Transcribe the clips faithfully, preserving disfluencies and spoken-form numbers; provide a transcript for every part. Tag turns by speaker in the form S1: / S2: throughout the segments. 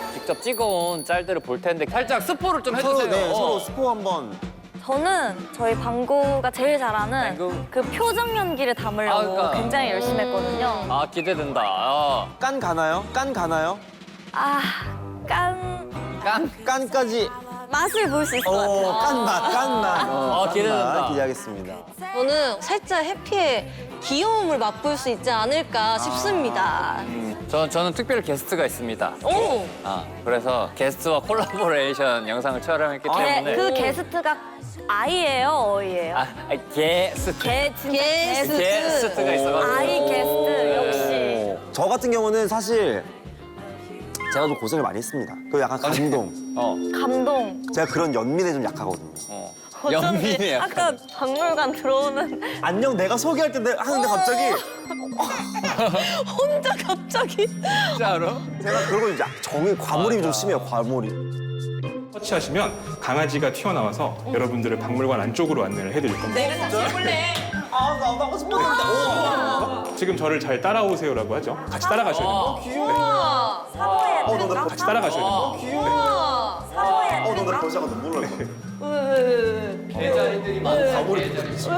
S1: 직접 찍어온 짤들을 볼 텐데 살짝 스포를 좀
S2: 서로,
S1: 해주세요.
S2: 네,
S1: 어.
S2: 서로 스포 한번.
S3: 저는 저희 방구가 제일 잘하는
S1: 방구?
S3: 그 표정 연기를 담으려고
S1: 아, 그러니까.
S3: 굉장히 열심히 했거든요.
S1: 아 기대된다. 아,
S2: 깐 가나요? 깐 가나요?
S3: 아, 깐
S1: 깐.
S2: 깐까지.
S3: 맛을 볼 수 있을 것
S2: 어,
S3: 같아요.
S2: 깐맛, 깐맛. 어,
S1: 아, 기대된다.
S2: 깐맛 기대하겠습니다.
S4: 저는 살짝 해피의 귀여움을 맛볼 수 있지 않을까 싶습니다.
S1: 음, 저 저는 특별 게스트가 있습니다.
S4: 오!
S1: 아 그래서 게스트와 콜라보레이션 영상을 촬영했기
S3: 네,
S1: 때문에.
S3: 그 게스트가 아이예요, 어이예요?
S1: 아, 아 게스트.
S3: 게 진짜
S4: 게스트.
S1: 게스트가 있어가지고.
S3: 아이 게스트 역시.
S2: 오. 저 같은 경우는 사실 제가 좀 고생을 많이 했습니다. 그 약간 감동.
S1: 어.
S3: 감동.
S2: 제가 그런 연민에 좀 약하거든요.
S1: 어.
S3: 어쩐지
S1: 연민이 약간.
S3: 아까 박물관 들어오는
S2: 안녕, 내가 소개할 때 하는데 갑자기
S4: 혼자 갑자기.
S1: 진짜로?
S2: 제가 그러고 이제 정이 과몰입이 좀 심해요, 과몰입.
S5: 터치하시면 강아지가 튀어나와서 여러분들을 박물관 안쪽으로 안내를 해드릴 겁니다.
S2: 아, 나 하고 싶었는데.
S5: 지금 저를 잘 따라오세요라고 하죠. 같이 따라가셔야 됩니다.
S3: 사모예드.
S2: 어, 너나
S5: 같이 따라가셔야 됩니다.
S3: 사모예드.
S2: 어, 너나 벌써가 눈물 날 것 같아.
S1: 개자리들이 많아.
S2: 과몰입.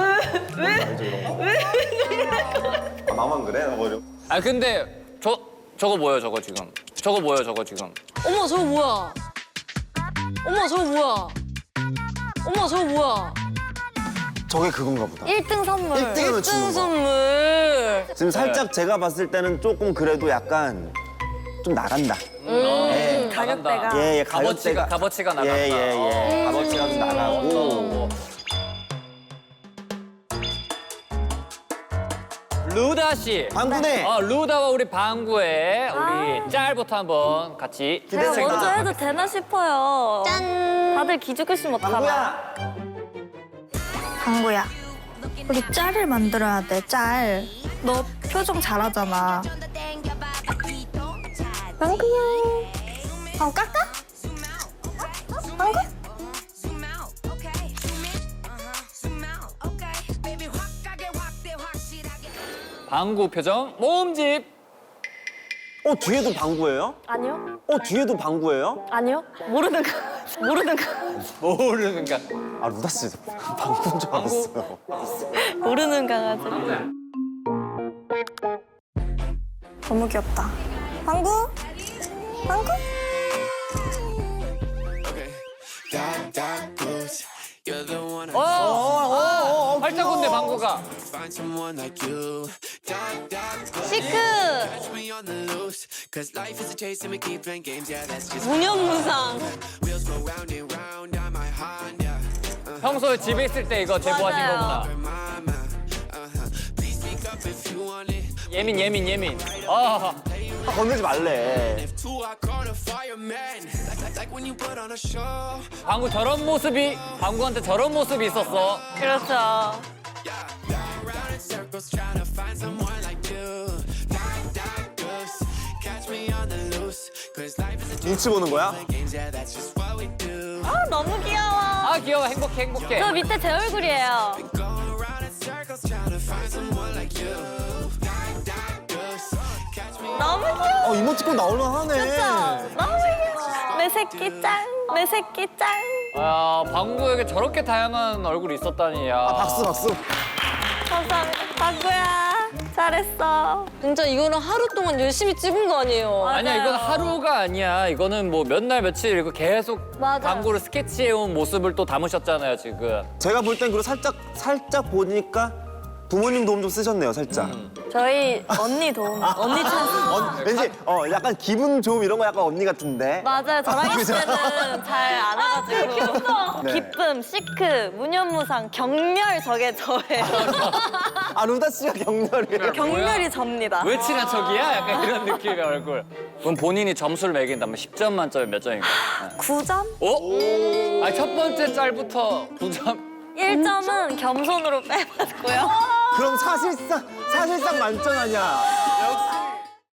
S2: 아, 나만 그래? 나 버려.
S1: 아 근데 저 저거 뭐예요 저거 지금? 저거 뭐예요 저거 지금?
S4: 어머, 저거 뭐야? 어머, 저거 뭐야? 어머, 저거 뭐야?
S2: 저게 그건가 보다.
S3: 일 등 선물.
S2: 일 등이면
S4: 일 등
S2: 주는 거.
S4: 선물.
S2: 지금 살짝 제가 봤을 때는 조금 그래도 약간 좀 나간다. 예.
S3: 가격대가.
S2: 예, 예,
S1: 값어치가
S2: 가격대가-
S1: 값어치가 나간다.
S2: 예, 예, 예.
S1: 어.
S2: 값어치가 좀 나가고.
S1: 루다 씨.
S2: 방구네.
S1: 어, 루다와 우리 방구의 우리 짤부터 한번 같이.
S3: 제가
S2: 기대된다.
S3: 먼저 해도 되나 싶어요.
S4: 짠.
S3: 다들 기죽으시면 어떡하나.
S2: 방구야.
S6: 방구야, 우리 짤을 만들어야 돼, 짤. 너 표정 잘하잖아. 방구야. 어, 깎아? 방구?
S1: 방구 표정 모음집.
S2: 어, 뒤에도 방구예요?
S3: 아니요?
S2: 어, 뒤에도 방구예요?
S3: 아니요? 모르는 거. 모르는 거.
S1: 모르는가.
S2: 아, 루다 씨 방구인 줄 알았어요.
S3: 모르는 강아지.
S6: 너무 귀엽다. 방구? 방구?
S7: Dark, dark blues. You're the one I
S1: 어,
S2: 어, 어, 어,
S1: 활짝운데 방구가.
S7: find someone like you. Dark, dark blues.
S4: 시크.
S7: Catch me on the loose. Cause life is a chase and we keep playing games. Yeah, that's just
S4: 무념무상.
S7: wheels go round and round on my Honda.
S1: 평소에 집에 있을 때 이거 제보하신
S3: 맞아요.
S1: 거구나.
S7: Mama, uh-huh. Please speak up if you want it.
S1: 예민 예민 예민. 아,
S2: 아, 건들지 말래.
S7: If two, I call a fireman. Like, like, like when you put on a show.
S1: 방구 저런 모습이 방구한테 저런 모습이 있었어.
S3: 그렇죠.
S7: Yeah, yeah. Round in circles trying to find someone like you. Dark, dark goose. Catch me on the loose. Cause life is a
S2: 눈치 보는 거야?
S7: playing games. Yeah, that's just what we do.
S3: 아, 너무 귀여워.
S1: 아 귀여워 행복해 행복해.
S3: 저 밑에 제 얼굴이에요.
S7: Going around in circles trying to find someone like you. Dark, dark goose. Catch me.
S3: 너무 귀여워.
S2: 어, 이모티콘 나올만 하네.
S3: 너무 귀여워. 내 새끼 짱. 내 새끼 짱.
S1: 아 방구에게 저렇게 다양한 얼굴이 있었다니. 야.
S2: 아, 박수, 박수.
S3: 감사합니다. 방구야. 잘했어.
S4: 진짜 이거는 하루 동안 열심히 찍은 거 아니에요?
S1: 아니야 이건 하루가 아니야. 이거는 뭐 몇 날 며칠 이거 계속
S3: 맞아요.
S1: 방구를 스케치해온 모습을 또 담으셨잖아요 지금.
S2: 제가 볼 땐 그리고 살짝, 살짝 보니까 부모님 도움 좀 쓰셨네요, 살짝.
S3: 저희 언니 도움. 언니 찬스.
S2: 어, 왠지 어 약간 기분 좋음 이런 거 약간 언니 같은데.
S3: 맞아요. 저랑 있을 때는 잘 안 해가지고.
S2: 네.
S3: 기쁨, 시크, 무념무상, 격렬 저게 저예요.
S2: 아, 루다 씨가 격렬이에요.
S3: 격렬이 접니다.
S1: 왜 친한 척이야? 약간 이런 느낌의 얼굴. 그럼 본인이 점수를 매긴다면 십 점 만점에 몇 점인가?
S6: 구 점?
S1: 오? 아, 첫 번째 짤부터 구 점.
S3: 일 점은 겸손으로 빼봤고요.
S2: 그럼 사실상 사실상 만점 아니야.